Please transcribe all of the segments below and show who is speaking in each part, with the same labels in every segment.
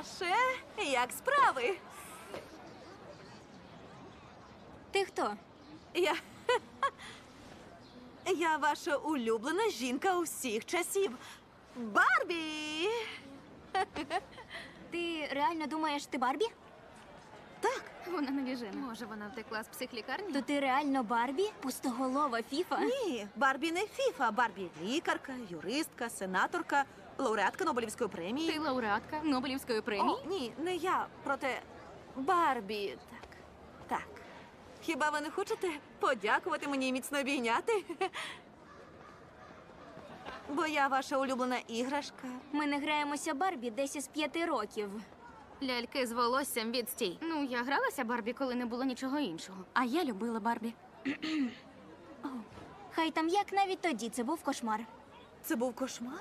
Speaker 1: Саше, як справи?
Speaker 2: Ти хто?
Speaker 1: Я. Я ваша улюблена жінка усіх часів. Барбі!
Speaker 2: Ти реально думаєш, ти Барбі?
Speaker 1: Так,
Speaker 3: Вона навіжена. Може, вона втекла з психлікарні?
Speaker 2: То ти реально Барбі? Пустоголова фіфа?
Speaker 1: ні, Барбі не фіфа. Барбі лікарка, юристка, сенаторка, лауреатка Нобелівської премії.
Speaker 3: Ти лауреатка Нобелівської премії?
Speaker 1: О, ні, не я, проте Барбі. Так, так. Хіба ви не хочете подякувати мені і міцно обійняти? Бо я ваша улюблена іграшка.
Speaker 2: Ми не граємося Барбі десь із 5 років.
Speaker 3: Ляльки з волоссям відстій. Ну, я гралася Барбі, коли не було нічого іншого. А я любила Барбі.
Speaker 2: Хай там як, навіть тоді це був кошмар.
Speaker 1: Це був кошмар?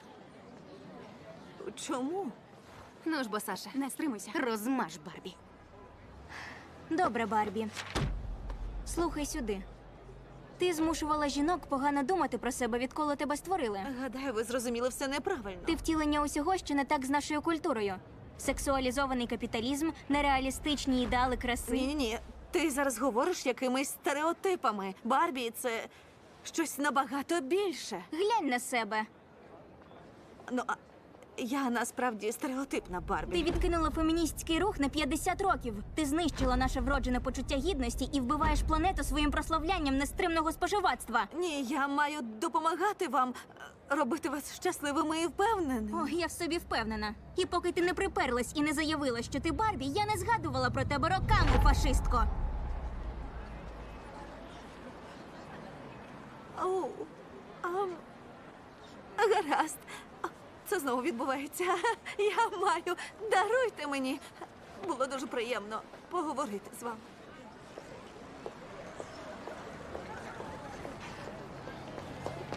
Speaker 1: Чому?
Speaker 3: Ну ж бо, Саша, не стримуйся. Розмаж Барбі.
Speaker 2: Добре, Барбі. Слухай сюди. Ти змушувала жінок погано думати про себе, відколи тебе створили.
Speaker 1: Гадаю, ви зрозуміли все неправильно.
Speaker 2: Ти втілення усього, що не так з нашою культурою. Сексуалізований капіталізм, нереалістичні ідеали краси.
Speaker 1: Ні. Ти зараз говориш якимись стереотипами. Барбі – це щось набагато більше.
Speaker 2: Глянь на себе.
Speaker 1: Ну, а я насправді стереотипна Барбі.
Speaker 2: Ти відкинула феміністський рух на 50 років. Ти знищила наше вроджене почуття гідності і вбиваєш планету своїм прославлянням нестримного споживацтва.
Speaker 1: Ні, я маю допомагати вам, робити вас щасливими і впевненими.
Speaker 2: О, я в собі впевнена. І поки ти не приперлась і не заявила, що ти Барбі, я не згадувала про тебе роками, фашистко.
Speaker 1: Оу, гаразд. Це знову відбувається. Я маю. Даруйте мені. Було дуже приємно поговорити з вами.